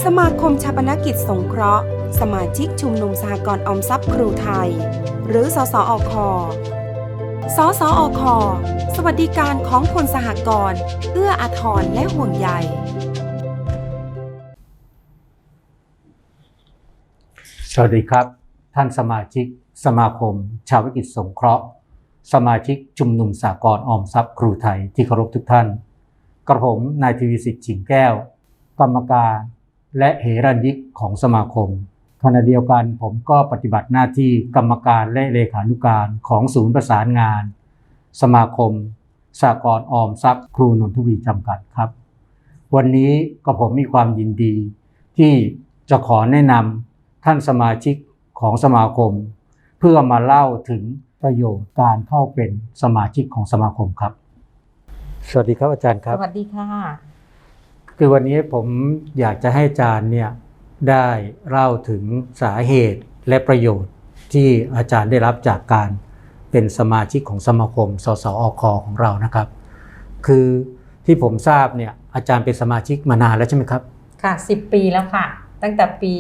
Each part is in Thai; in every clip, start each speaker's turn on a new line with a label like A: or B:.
A: สมาคมชาปนกิจสงเคราะห์สมาชิกชุมนุมสหกรณ์ออมทรัพย์ครูไทยหรือสสอคสสอคสวัสดิการของคนสหกรณ์เอื้ออาทรและห่วงใย
B: สวัสดีครับท่านสมาชิกสมาคมชาวกิจสงเคราะห์สมาชิกชุมนุมสหกรณ์ออมทรัพย์ครูไทยที่เคารพทุกท่านกระผมนายทวีสิทธิ์ฉิงแก้วกรรมการและเหรัญยิกของสมาคมขณะเดียวกันผมก็ปฏิบัติหน้าที่กรรมการและเลขานุการของศูนย์ประสานงานสมาคมสหกรณ์ออมทรัพย์ครูนนทบุรีจำกัดครับวันนี้ก็ผมมีความยินดีที่จะขอแนะนำท่านสมาชิกของสมาคมเพื่อมาเล่าถึงประโยชน์การเข้าเป็นสมาชิกของสมาคมครับสวัสดีครับอาจารย์ครับ
C: สวัสดีค่ะ
B: คือวันนี้ผมอยากจะให้อาจารย์เนี่ยได้เล่าถึงสาเหตุและประโยชน์ที่อาจารย์ได้รับจากการเป็นสมาชิกของสมาคมสสอคของเรานะครับคือที่ผมทราบเนี่ยอาจารย์เป็นสมาชิกมานานแล้วใช่ไหมครับ
C: ค่ะ10 ปีแล้วค่ะตั้งแต่ปี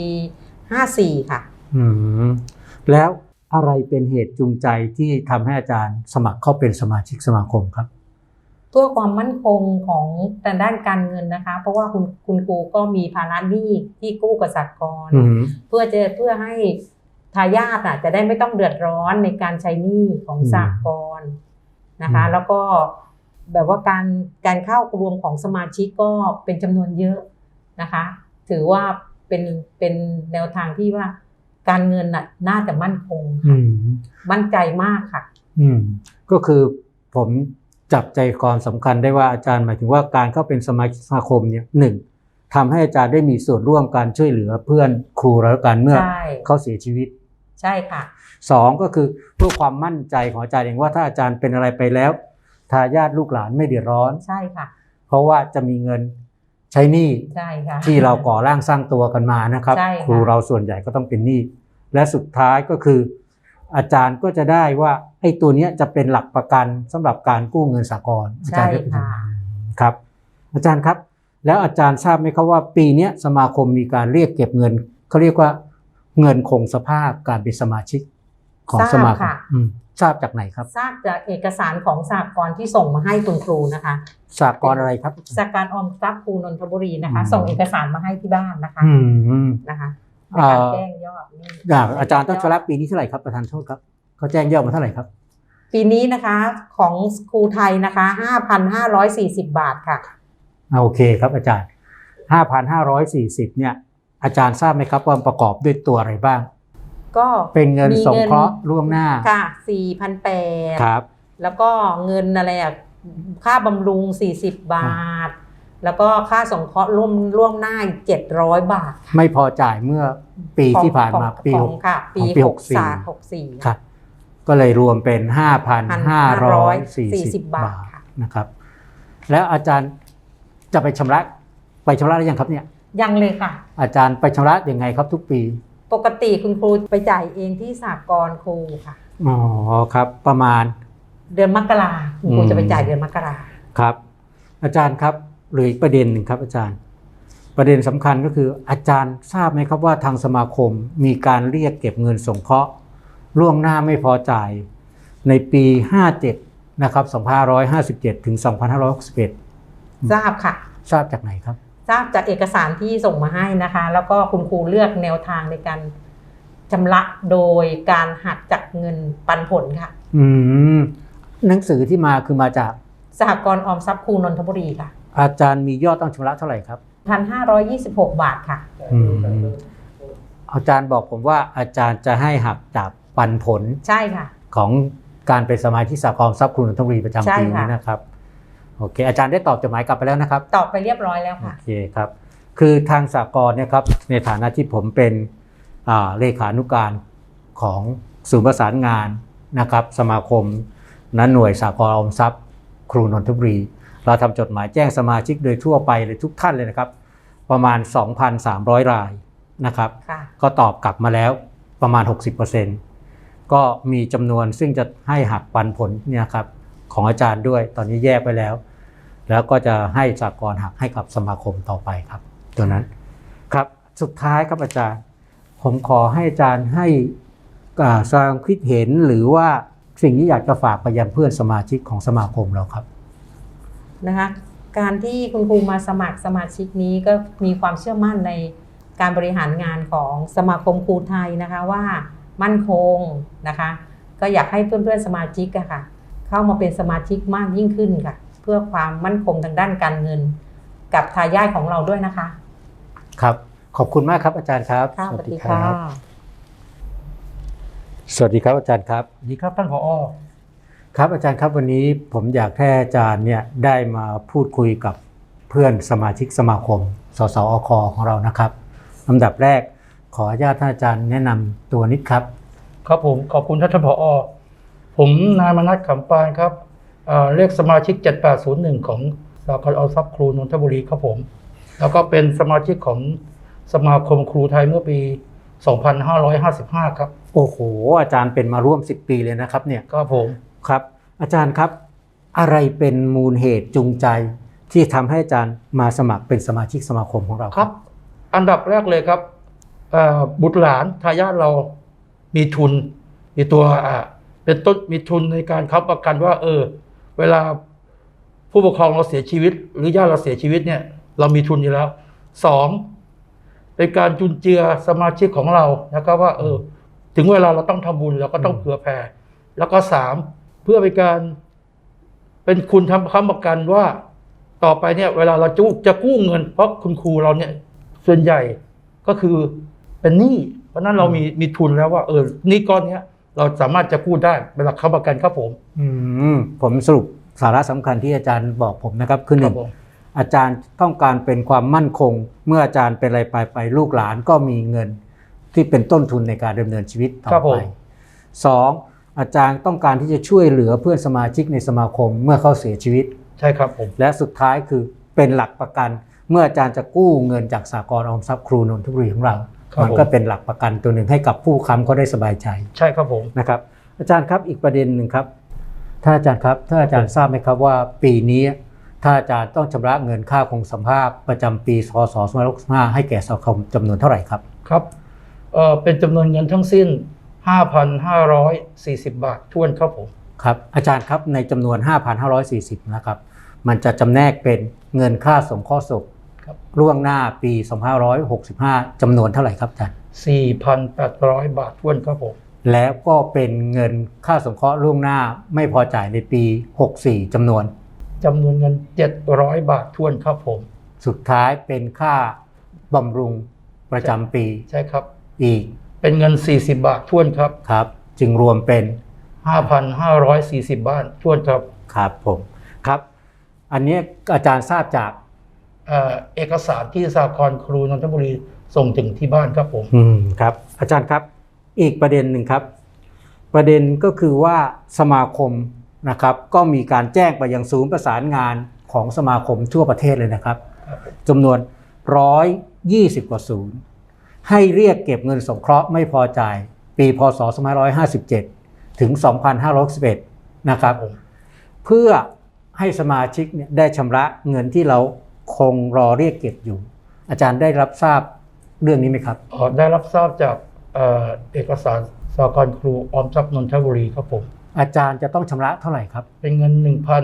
C: 54ค่ะ
B: แล้วอะไรเป็นเหตุจูงใจที่ทำให้อาจารย์สมัครเข้าเป็นสมาชิกสมาคมครับ
C: เพื่อความมั่นคงของด้านการเงินนะคะเพราะว่าคุณครูก็มีภาระหนี้ที่กู้กับสหกรณ์เพื่อให้ทายาทจะได้ไม่ต้องเดือดร้อนในการใช้หนี้ของสหกรณ์นะคะแล้วก็แบบว่าการเข้ารวมของสมาชิกก็เป็นจำนวนเยอะนะคะถือว่าเป็นแนวทางที่ว่าการเงินน่าจะมั่นคงมั่นใจมากค่ะ
B: ก็คือผมจับใจความสำคัญได้ว่าอาจารย์หมายถึงว่าการเข้าเป็นสมาชิกสมาคมเนี่ย1ทำให้อาจารย์ได้มีส่วนร่วมการช่วยเหลือเพื่อนครูแล้วกันเมื่อเขาเสียชีวิต
C: ใช่ค่ะ
B: 2ก็คือเพื่อความมั่นใจของอาจารย์เองว่าถ้าอาจารย์เป็นอะไรไปแล้วทายาทลูกหลานไม่เดือดร้อน
C: ใช่ค่ะ
B: เพราะว่าจะมีเงินใช้หนี้ที่เราก่อร่างสร้างตัวกันมานะครับครูเราส่วนใหญ่ก็ต้องเป็นหนี้และสุดท้ายก็คืออาจารย์ก็จะได้ว่าไอ้ตัวนี้จะเป็นหลักประกันสำหรับการกู้เงินสหกรณ์
C: ใช่ค่ะ
B: ครับอาจารย์ครับแล้วอาจารย์ทราบไหมครับว่าปีนี้สมาคมมีการเรียกเก็บเงินเขาเรียกว่าเงินคงสภาพการเป็นสมาชิกของสมาคมทราบจากไหนครับ
C: ทราบจากเอกสารของสหกรณ์ที่ส่งมาให้คุณครูนะคะ
B: สหกรณ์อะไรครับ
C: สหกรณ์ออมทรัพย์ครูนนทบุรีนะคะส่งเอกสารมาให้ที่บ้านนะคะนะคะการแจ้งยอด
B: อาจารย์ต้องชำระปีนี้เท่าไหร่ครับประธานโทษครับเขาแจ้งยอดมาเท่าไหร่ครับ
C: ปีนี้นะคะของครูไทยนะคะ 5,540 บาทค่ะ
B: โอเคครับอาจารย์ 5,540 เนี่ยอาจารย์ทราบไหมครับว่าประกอบด้วยตัวอะไรบ้าง
C: ก็
B: เป็นเงินสงเคราะห์ล่วงหน้า
C: ค่ะ 4,800
B: ครับ
C: แล้วก็เงินอะไรค่าบำรุง40 บาทแล้วก็ค่าสงเคราะห์ล่วงหน้า700 บาท
B: ไม่พอจ่ายเมื่อปีที่ผ่านมาปี
C: 64
B: ครับก็เลยรวมเป็น 5,540 บาทนะครับแล้วอาจารย์จะไปชำระหรือยังครับเนี่ย
C: ยังเลยค่ะ
B: อาจารย์ไปชำระยังไงครับทุกปี
C: ปกติคุณครูไปจ่ายเองที่สหกรณ์ครูค่ะ
B: อ๋อครับประมาณ
C: เดือนมกราคุณครูจะไปจ่ายเดือนมกรา
B: ครับอาจารย์ครับหรืออีกประเด็นหนึ่งครับอาจารย์ประเด็นสำคัญก็คืออาจารย์ทราบไหมครับว่าทางสมาคมมีการเรียกเก็บเงินสงเคราะห์ล่วงหน้าไม่พอจ่ายในปี57นะครับ2557ถึง2561
C: ทราบค่ะ
B: ทราบจากไหนครับ
C: ทราบจากเอกสารที่ส่งมาให้นะคะแล้วก็คุณครูเลือกแนวทางในการชำระโดยการหักจากเงินปันผลค่ะ
B: หนังสือที่มาคือมาจาก
C: สหกรณ์ออมทรัพย์ครูนนทบุรีค่ะ
B: อาจารย์มียอดต้องชำระเท่าไหร่ครับ
C: 1,526 บาทค่ะ
B: อาจารย์บอกผมว่าอาจารย์จะให้หักจากปันผล
C: ใช่ค่ะ
B: ของการเป็นสมาชิกสหกรณ์ออมทรัพย์ครูนนทบุรีประจำปีนี้นะครับโอเคอาจารย์ได้ตอบจดหมายกลับไปแล้วนะครับ
C: ตอบไปเรียบร้อยแล้วค่ะ
B: โอเคครับคือทางสหกรณ์เนี่ยครับในฐานะที่ผมเป็นเลขานุการของศูนย์ประสานงานนะครับสมาคมนั้นหน่วยสหกรณ์ออมทรัพย์ครูนนทบุรีเราทำจดหมายแจ้งสมาชิกโดยทั่วไปเลยทุกท่านเลยนะครับประมาณ 2,300 รายนะครับก็ตอบกลับมาแล้วประมาณ 60% ก็มีจำนวนซึ่งจะให้หักปันผลเนี่ยครับของอาจารย์ด้วยตอนนี้แยกไปแล้วก็จะให้สหกรณ์หักให้กับสมาคมต่อไปครับตัวนั้นครับสุดท้ายครับอาจารย์ผมขอให้อาจารย์ให้แสดงคิดเห็นหรือว่าสิ่งที่อยากจะฝากไปยังเพื่อนสมาชิกของสมาคมเราครับ
C: นะคะการที่คุณครูมาสมัครสมาชิกนี้ก็มีความเชื่อมั่นในการบริหารงานของสมาคมครูไทยนะคะว่ามั่นคงนะคะก็อยากให้เพื่อนๆสมาชิกอะค่ะเข้ามาเป็นสมาชิกมากยิ่งขึ้นค่ะเพื่อความมั่นคงทางด้านการเงินกับทายาทของเราด้วยนะคะ
B: ครับขอบคุณมากครับอาจารย์ครับ
C: สวัสดีค่ะ
B: สวัสดีครับอาจารย์ครับ
D: สวัสดีครับท่านผอ.
B: ครับอาจารย์ครับวันนี้ผมอยากให้อาจารย์เนี่ยได้มาพูดคุยกับเพื่อนสมาชิกสมาคมสสอคของเรานะครับลำดับแรกขออนุญาตท่านอาจารย์แนะนำตัวนิดครับ
D: ครับผมขอบคุณท่านผอ.ผมนายมนัสขำปานครับเลขสมาชิก7801ของสหกรณ์ออมทรัพย์ครูนนทบุรีครับผมแล้วก็เป็นสมาชิกของสมาคมครูไทยเมื่อปี2555ครับ
B: โอ้โหอาจารย์เป็นมาร่วม10ปีเลยนะครับเนี่ย
D: ครับผม
B: ครับอาจารย์ครับอะไรเป็นมูลเหตุจูงใจที่ทำให้อาจารย์มาสมัครเป็นสมาชิกสมาคมของเรา
D: ครับอันดับแรกเลยครับบุตรหลานทายาทเรามีทุนมีตัวเป็นต้นมีทุนในการค้ำประกันว่าเวลาผู้ปกครองเราเสียชีวิตหรือญาติเราเสียชีวิตเนี่ยเรามีทุนอยู่แล้ว2เป็นการจุนเจือสมาชิกของเรานะครับว่าถึงเวลาเราต้องทำบุญเราก็ต้องเผื่อแผ่แล้วก็3เพื่อเป็นคุณทำค้ำประกันว่าต่อไปเนี่ยเวลาเราจะกู้เงินเพราะคุณครูเราเนี่ยส่วนใหญ่ก็คือเป็นหนี้เพราะนั้นเรามีทุนแล้วว่าหนี้ก้อนนี้เราสามารถจะกู้ได้เป็นหลักค้ำประกันครับ
B: ผมสรุปสาระสำคัญที่อาจารย์บอกผมนะครับคือหนึ่งอาจารย์ต้องการเป็นความมั่นคงเมื่ออาจารย์เป็นอะไรไปลูกหลานก็มีเงินที่เป็นต้นทุนในการดำเนินชีวิตต่อไป2อาจารย์ต้องการที่จะช่วยเหลือเพื่อนสมาชิกในสมาคมเมื่อเขาเสียชีวิต
D: ใช่ครับผม
B: และสุดท้ายคือเป็นหลักประกันเมื่ออาจารย์จะกู้เงินจากสหกรณ์ออมทรัพย์ครูนนทบุรีของเรามันก็เป็นหลักประกันตัวหนึ่งให้กับผู้ค้ำเขาได้สบายใจ
D: ใช่ครับผม
B: นะครับอาจารย์ครับอีกประเด็นหนึ่งครับท่านอาจารย์ครับท่านอาจารย์ทราบไหมครับว่าปีนี้ท่านอาจารย์ต้องชำระเงินค่าคงสภาพประจำปีพ.ศ. 2565ให้แก่สมาคมจำนวนเท่าไหร่ครับ
D: ครับเป็นจำนวนเงินทั้งสิ้น 5,540 บาทถ้วนครับผม
B: ครับอาจารย์ครับในจำนวน 5,540 นะครับมันจะจำแนกเป็นเงินค่าสงเคราะห์ศพล่วงหน้าปี2565จำนวนเท่าไหร่ครับอาจารย์
D: 4,800 บาทถ้วนครับผม
B: แล้วก็เป็นเงินค่าสงเคราะห์ล่วงหน้าไม่พอจ่ายในปี64จำนวน
D: เงิน700 บาทถ้วนครับผม
B: สุดท้ายเป็นค่าบำรุงประจำปี
D: ใช่ครับ
B: อีก
D: เป็นเงิน40 บาทถ้วนครับ
B: ครับจึงรวมเป็น
D: 5,540 บาทถ้วนครับ
B: ครับผมครับอันนี้อาจารย์ทราบจาก
D: เอกสารที่สหกรณ์ครูนนทบุรีส่งถึงที่บ้านครับผม
B: ครับอาจารย์ครับอีกประเด็นหนึ่งครับประเด็นก็คือว่าสมาคมนะครับก็มีการแจ้งไปยังศูนย์ประสานงานของสมาคมทั่วประเทศเลยนะครับจำนวน120กว่าศูนย์ให้เรียกเก็บเงินสงเคราะห์ไม่พอจ่ายปีพ.ศ. 2557ถึง2561นะครับเพื่อให้สมาชิกเนี่ยได้ชำระเงินที่เราคงรอเรียกเก็บอยู่อาจารย์ได้รับทราบเรื่องนี้ไหมครับ
D: ได้รับทราบจากเอกสารสหกรณ์ครูออมทรัพย์นนทบุรีครับผม
B: อาจารย์จะต้องชำระเท่าไหร่ครับ
D: เป็นเงิน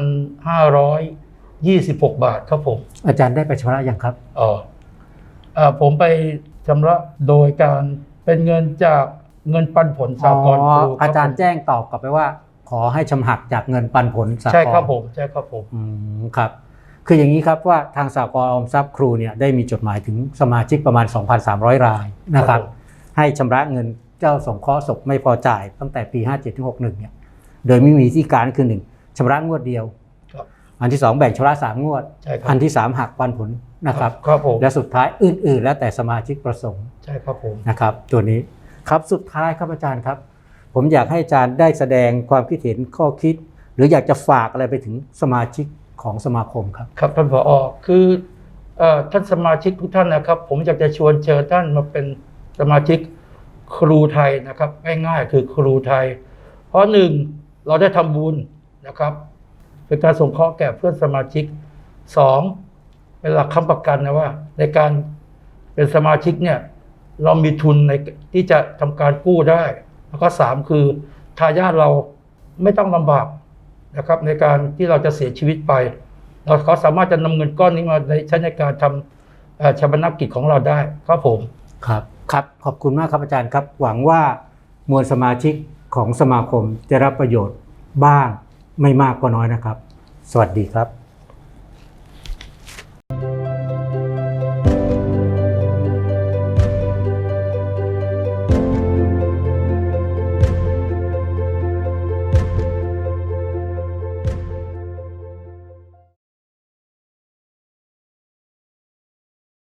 D: 1,526 บาทครับผม
B: อาจารย์ได้ไปชำระยังครับ
D: ผมไปชำระโดยการเป็นเงินจากเงินปันผลสหกรณ์ครู
B: อาจารย์แจ้งตอบกลับไปว่าขอให้ชำหักจากเงินปันผลสหกรณ์
D: ใช่ครับผมใช่ครับผม
B: ครับคืออย่างนี้ครับว่าทางสหกรณ์ออมทรัพย์ครูเนี่ยได้มีจดหมายถึงสมาชิกประมาณ 2,300 รายนะครับให้ชำระเงินเจ้าสงเคราะห์ศพไม่พอจ่ายตั้งแต่ปี57ถึง61เนี่ยโดยไม่มีวิธีการคือ1ชำระงวดเดียวอันที่2แบ่งชำระ3งวดอันที่3หักปันผลนะครับและสุดท้ายอื่นๆแล้วแต่สมาชิกประสงค์
D: ใช่ครับผม
B: นะครับตัวนี้ครับสุดท้ายครับอาจารย์ครับผมอยากให้อาจารย์ได้แสดงความคิดเห็นข้อคิดหรืออยากจะฝากอะไรไปถึงสมาชิกของสมาคมครับ
D: ครับท่านผอ.คือท่านสมาชิกทุกท่านนะครับผมอยากจะชวนเชิญท่านมาเป็นสมาชิกครูไทยนะครับง่ายๆคือครูไทยเพราะ1เราได้ทำบุญนะครับเป็นการสงเคราะห์แก่เพื่อนสมาชิก2เป็นหลักค้ำประกันนะว่าในการเป็นสมาชิกเนี่ยเรามีทุนในที่จะทำการกู้ได้แล้วก็3คือทายาทเราไม่ต้องลำบากนะครับในการที่เราจะเสียชีวิตไปเขาสามารถจะนำเงินก้อนนี้มาใช้ในการทำชาปนกิจของเราได้ครับผม
B: ครับครับขอบคุณมากครับอาจารย์ครับหวังว่ามวลสมาชิกของสมาคมจะรับประโยชน์บ้างไม่มากก็น้อยนะครับสวัสดีครับ